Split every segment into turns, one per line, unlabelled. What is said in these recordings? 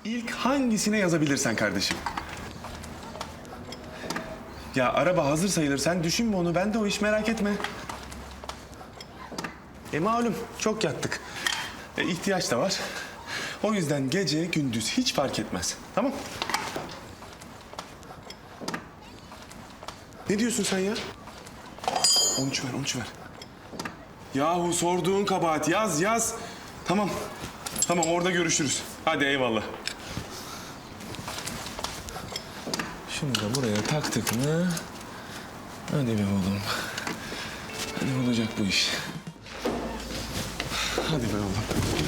İlk hangisine yazabilirsen kardeşim. Ya araba hazır sayılır. Sen düşünme onu. Ben de o iş, merak etme. Malum çok yattık. İhtiyaç da var. O yüzden gece gündüz hiç fark etmez. Tamam? Ne diyorsun sen ya? 13 ver, 13 ver. Yahu sorduğun kabahat. Yaz. Tamam. Tamam, orada görüşürüz. Hadi eyvallah. Şunu da buraya taktık mı? Hadi be oğlum. Hadi olacak bu iş. Hadi be oğlum.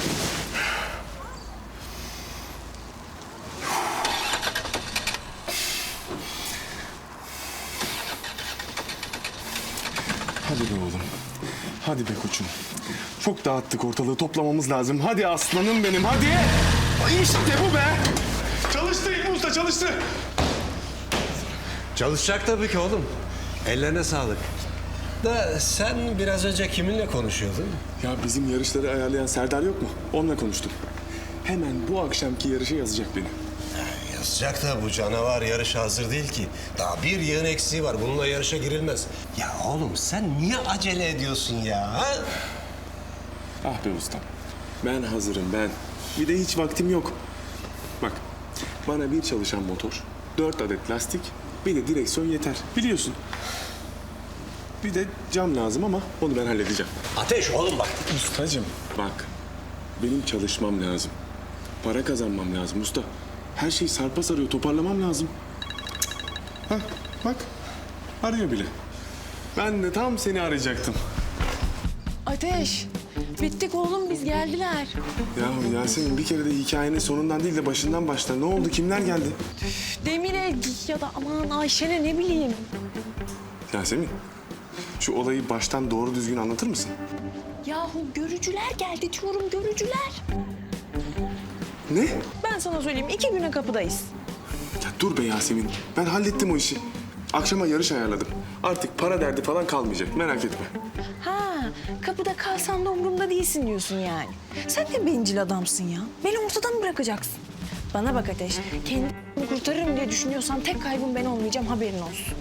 Hadi be oğlum. Hadi be koçum. Çok dağıttık ortalığı, toplamamız lazım. Hadi aslanım benim, hadi. İşte bu be. Çalıştı İlmi Usta, çalıştı.
Çalışacak tabii ki oğlum. Ellerine sağlık. Da sen biraz önce kiminle konuşuyordun?
Ya bizim yarışları ayarlayan Serdar yok mu? Onunla konuştum. Hemen bu akşamki yarışa yazacak beni.
Yazacak da bu canavar yarışa hazır değil ki. Daha bir yığın eksiği var. Bununla yarışa girilmez. Ya oğlum sen niye acele ediyorsun ya? Ha?
Ah be ustam. Ben hazırım ben. Bir de hiç vaktim yok. Bak, bana bir çalışan motor, 4 adet lastik, bir de direksiyon yeter. Biliyorsun. Bir de cam lazım ama onu ben halledeceğim.
Ateş oğlum bak.
Ustacığım bak, benim çalışmam lazım. Para kazanmam lazım usta. Her şey sarpa sarıyor, toparlamam lazım. Hah, bak, arıyor bile. Ben de tam seni arayacaktım.
Ateş, bittik oğlum, biz geldiler.
Yahu Yasemin, bir kere de hikayenin sonundan değil de başından başla. Ne oldu, kimler geldi?
Demir'e ya da aman Ayşen'e, ne bileyim.
Yasemin, şu olayı baştan doğru düzgün anlatır mısın?
Yahu görücüler geldi diyorum, görücüler.
Ne?
Ben sana söyleyeyim, 2 güne kapıdayız.
Ya dur be Yasemin, ben hallettim o işi. Akşama yarış ayarladım. Artık para derdi falan kalmayacak, merak etme.
Ha, kapıda kalsan da umurumda değilsin diyorsun yani. Sen de bencil adamsın ya. Beni ortadan mı bırakacaksın? Bana bak Ateş, kendimi kurtarırım diye düşünüyorsan tek kaybım ben olmayacağım, haberin olsun.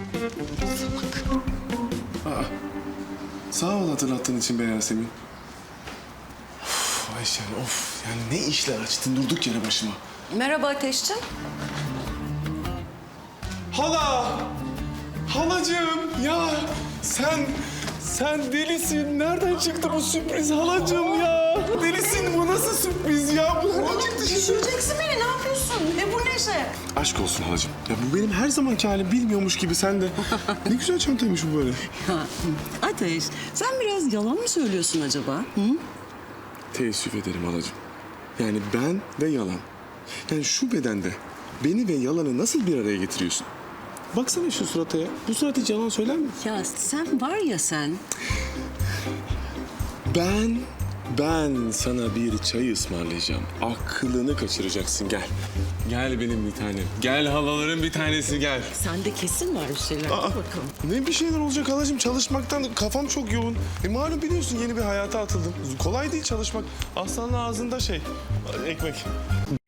Salak.
Sağ ol hatırlattığın için be Yasemin. Of Ayşen, of. Yani ne işler açtın durduk yere başıma.
Merhaba Ateşciğim.
Hala! Halacığım ya sen delisin. Nereden çıktı bu sürpriz halacığım ya? Delisin, bu nasıl sürpriz ya? Bu nereden çıktı şimdi?
Düşüreceksin beni, ne yapıyorsun? Ne bu neşe?
Aşk olsun halacığım. Ya bu benim her zamanki halim, bilmiyormuş gibi sen de. Ne güzel çantaymış bu böyle.
Ateş, sen biraz yalan mı söylüyorsun acaba? Hı?
Teessüf ederim halacığım. Yani ben ve yalan. Yani şu bedende beni ve yalanı nasıl bir araya getiriyorsun? Baksana şu surata ya. Bu surat hiç yalan söyler mi?
Ya sen var ya sen.
Ben sana bir çay ısmarlayacağım. Aklını kaçıracaksın, gel. Gel benim bir tanem. Gel halaların bir tanesi, gel.
Sende kesin var bir şeyler. Dur bakalım.
Ne bir şeyler olacak halacığım, çalışmaktan kafam çok yoğun. Malum biliyorsun, yeni bir hayata atıldım. Kolay değil çalışmak. Aslanın ağzında ekmek.